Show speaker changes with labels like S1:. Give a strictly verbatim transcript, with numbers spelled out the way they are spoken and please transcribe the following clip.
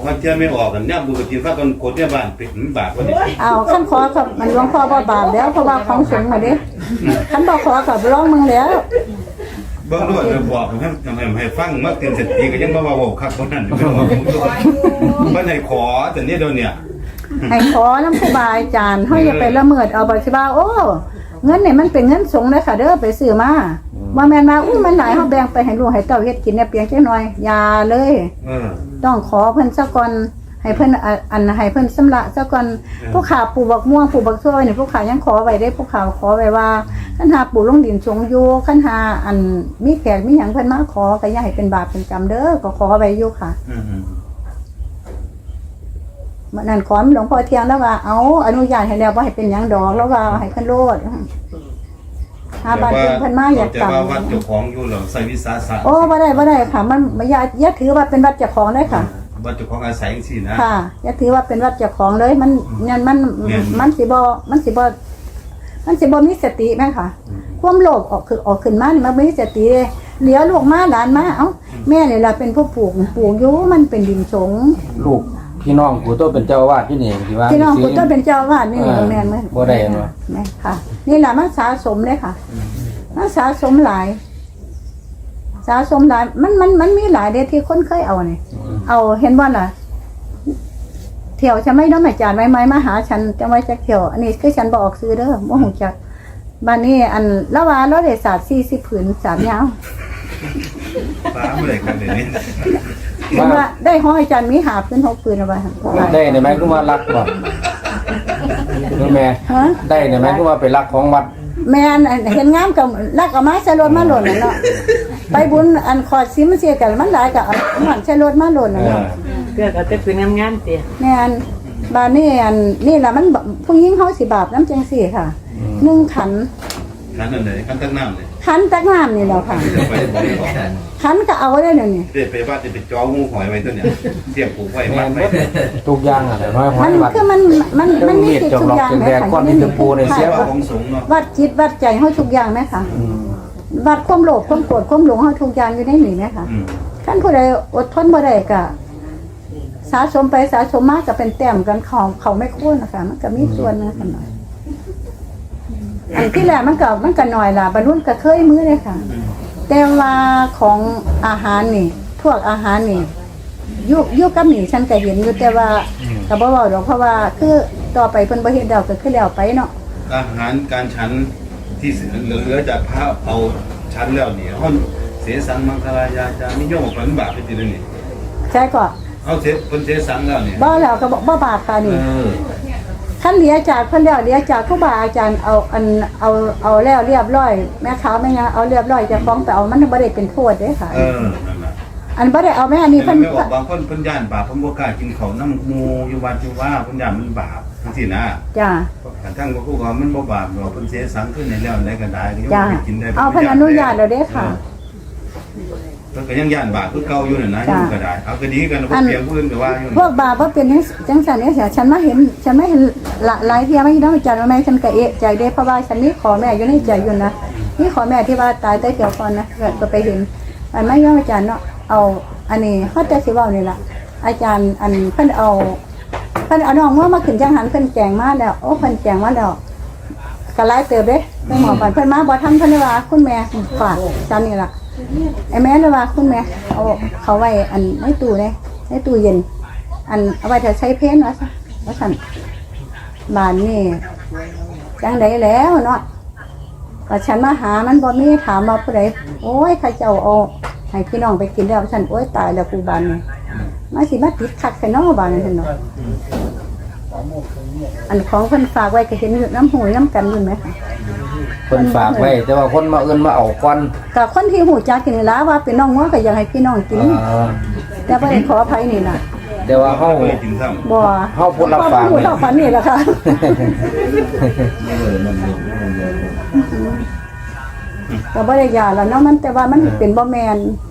S1: ว่าเจ้าไม่ออกกันเนี่ยบุกจีนฟ้ากันโคตรเนี่ยบ้านเป็นบาปกว่านี้
S2: เอาขั้นขอกับมันหลวงพ่อบ่บาปแล้วเพราะว่าของสูงมาดิขั้นบ่ขอกับร้องมึงแล้ว
S1: เบื้องต้นเราบอกให้ทำให้ให้ฟังเมื่อเตือนเสร็จทีก็ยังมาว่าคักคนนั้นไม่บอกมันให้ขอแต่เนี่ยเดี๋ยวเนี่ย
S2: ให้ขอน้ำครูบาอาจารย์เขาอย่าไปละเมิดเอาบัตรบ้าโอ้เงินเนี่ยมันเป็นเงินสงฆ์เลยค่ะเด้อไปซื้อมาว่าแมนมาอู้มันหลายเขาแบ่งไปให้ลูกให้เต้าเฮ็ดกินเนี่ยเพียงแค่น้อยยาเลยต้องขอเพิ่นซะก่อนให้เพิ่นอันให้เพิ่นสำระซะก่อนผู้ขาปลูกบักม่วงปลูกบักซ้อยเนี่ยผู้ขายังขอไว้ได้ผู้ขาขอไว้ว่าคันหาปลูกลงดินสงอยู่คันหาอันมีแขกมีหยังเพิ่นมาขอก็อย่าให้เป็นบาปเป็นกรรมเด้อก็ขอไว้อยู่ค่ะมันนั่นขอหลวงพ่อเทียงแล้วว่าเอาอนุญาตให้แล้วว่าให้เป็นหยังดอกแล้วว่าให้เพิ่นโลดหาบ้านเพิ่นมาอยากกลับ
S1: แต่ว่าวัดเจ้าของอยู่หรอใส่วิสาสะ
S2: โอ้บ่ได้บ่ได้ค่ะมันอย่าอย่าถือว่าเป็นวัดเจ้าของได้ค่ะ
S1: วัดเจ้าของอาศัยจังซี่นะ
S2: ค่ะอย่าถือว่าเป็นวัดเจ้าของเลยมันนั่นมันมันสิบ่มันสิบ่มันสิบ่มีสติแม่ค่ะความโลภออกคือออกขึ้นมานี่มันบ่มีสติเลยเหลียวลูกมาหลานมาเอ้าแม่นี่ล่ะเป็นผู้ปลูกปลูกอยู่มันเป็นดินสง
S3: ลูกพี่น้องกูโตเป็นเจ้าอาวาสที่นี่ที่ว่า
S2: พี่น้องกูโตเป็นเจ้าอาวาสนี่แม่นมั้ย
S3: บ่ได้เนาะ
S2: แม่ค่ะนี่ล่ะมันสะสมเลยค่ะมันสะสมหลายสะสมหลายมันมันมันมีหลายเด้ที่คนเคยเอานี่เอาเห็นบ่ล่ะเที่ยวฉันไม่ต้องอาจารย์ไว้ไหมมาหาฉันจะไว้จักเที่ยวอันนี้คือฉันบ่ออกซื้อเด้อบ่ฮู้จักบ้านนี้อันละว่าเราได้ศาสตร์สี่สิบผืนสามยาว
S1: ฟ้าเมื่อไหร่กันเดี๋ยวนี้
S2: ว่าได้ห้อยอาจารย์มีหาพื้นหกปืนเอาไว้
S3: ได้ในไหมคือว่ารักบ่รู้แม่ได้ในไหมคือว่าไปรักของวัด
S2: แม่นเห็นงามกับรักเอาไม้ใช้รถมาหล่นเนาะไปบุญอันคอดซิมันเสียกันมันหลายกับมันใช้รถมาหล่นเนาะ
S4: เกิดเอาแต่ปืนงามๆติ
S2: แม่นบ้านนี้อันนี่ล่ะมันผู้หญิงเฮาสิบาปน้ำจังซี่ค่ะหนึ่งขัน
S1: ขันอันไหนขันตั้งน้ำเลย
S2: ขันตักน้ำนี่แหละค่ะขันก็เอาได้เดี๋ยวนี้
S1: เด็ดไปว่าจะไปจ้องูหอยไว้ตัวเนี่ยเสียบผูกไว้มัดไว้
S3: ทุกอย่างอะไรน้อยหอย
S2: มันคือมันมันมันมีจิตทุกอย่างไหมคะ
S3: ก้อนที่ตะปูในเสียบ
S2: วัดจิตวัดใจเฮาทุกอย่างไหมคะวัดความโลภความโกรธความหลงเฮาทุกอย่างอยู่ในนี้ไหมคะท่านผู้ใดอดทนบ่ได้ก็สะสมไปสะสมมากก็เป็นแต้มกันของเขาไม่คุ้นนะคะมันก็มีส่วนนะกันหน่อยอันที่แรกมันก็มันก็หน่อยล่ะบรรลุก็เคยมื้อเลยค่ะแต่ว่าของอาหารนี่พวกอาหารนี่ยุคยุคกับนี่ฉันก็เห็นอยู่แต่ว่าก็บ่เว้าดอกเพราะว่าคือต่อไปเพิ่นบ่เฮ็ดดอกก็คือแล้วไปเนาะ
S1: อาหารการฉันที่เหลือจากพระเอาฉันแล้วนี่เฮาเสสังมังคลายาจานิยมออกเป็นบาปไปตินี่
S2: ใช่ก็
S1: เอาเสเพิ่นเสสังแล้วนี่
S2: บ่แล้วก็บ่บาปค่ะนี่ท่านเลียจากเพิ่นแล้วเลียจากครูบาอาจารย์เอาอันเอาเอาแล้วเรียบร้อยแม่ขาวแม่ยังเอาเรียบร้อยจะฟ้องไปเอามันบ่ได้เป็นโทษเด้ค่ะ
S1: เออนั่นน่ะ
S2: อันบ่ได้เอาแม่อันนี้เพิ่น
S1: บางคนเพิ่นย่านบาปเพิ่นบ่กล้ากินข้าวน้ำหมู่อยู่วัดอยู่ว่าเพิ่นย่านมันบาปจังซี่นะ
S2: จ้ะ
S1: ทั้งบ่ฮู้ว่ามันบ่บาปดอกเพิ่นเสสังขึ้นให้แล้วได้ก็ได้
S2: จ้ะเอาเพิ่นอนุญาตแล้วเด้ค่ะ
S1: เพิ่นก็ยังย่านบาปคือเก่าอยู่นั่นนะยังก็ได้เอาก็ดีกันบ่เปรียบผู้อื่นก็ว่าอยู่
S2: พวกบาปบ่เป็นจังซั่นเนี่ยฉันมาเห็นฉันไม่เห็นหลายเที่ยไม่ต้องอาจารย์ว่าแม่ฉันก็เอะใจเด้เพราะว่าฉันนี่ขอแม่อยู่ในใจอยู่นะนี่ขอแม่ที่ว่าตายใต้เกี่ยวก่อนนะก็ไปเห็นอันไม่ยอมอาจารย์เนาะเอาอันนี้เฮาแต่สิเว้านี่ล่ะอาจารย์อันเพิ่นเอาเพิ่นเอาน้องเมื่อมาขึ้นจังหันเพิ่นแจงมาแล้วโอ้เพิ่นแจงมาแล้วก็หลายเติบเด้ไปหมอปันเพิ่นมาบ่ทันเพิ่นว่าคุณแม่ฝากฉันนี่ล่ะไอ้แม่เลยว่าคุณแม่เอาเขาไว้อันในตู้เลยในตู้เย็นอันเอาไว้ถ้าใช้เพนว่าซะว่าซั่นบ้านนี่จังได๋แล้วเนาะก็ฉันมาหามันบ่มีถามว่าผู้ใดโอ้ยข้าเจ้าเอาให้พี่น้องไปกินแล้วฉันโอ้ยตายแล้วกูบ้านนี่มาสิมาติดคักใส่น้อบ้านนี่ซั่นเนาะอันของเพิ่นฝากไว้ก็เห็นอยู่น้ำหูน้ำกันอยู่ไหมคะ
S3: เพิ่นฝากไว้แต่ว่าคนมาเอิ้นมาเอาก่อน
S2: ก็คนที่หูจักกินล่ะว่าเป็นน้องงัวก็อยากให้พี่น้องกินแต่บ่ได้ขออภัยนี่น่ะ
S3: แต่ว่าเฮา
S2: บ่
S3: เฮาผู้รับฝาก
S2: นี่เฮาฝันนี่ล่ะค่ะก็บ่ได้ยาแล้วเนาะมันแต่ว่ามันเป็นบ่แม่น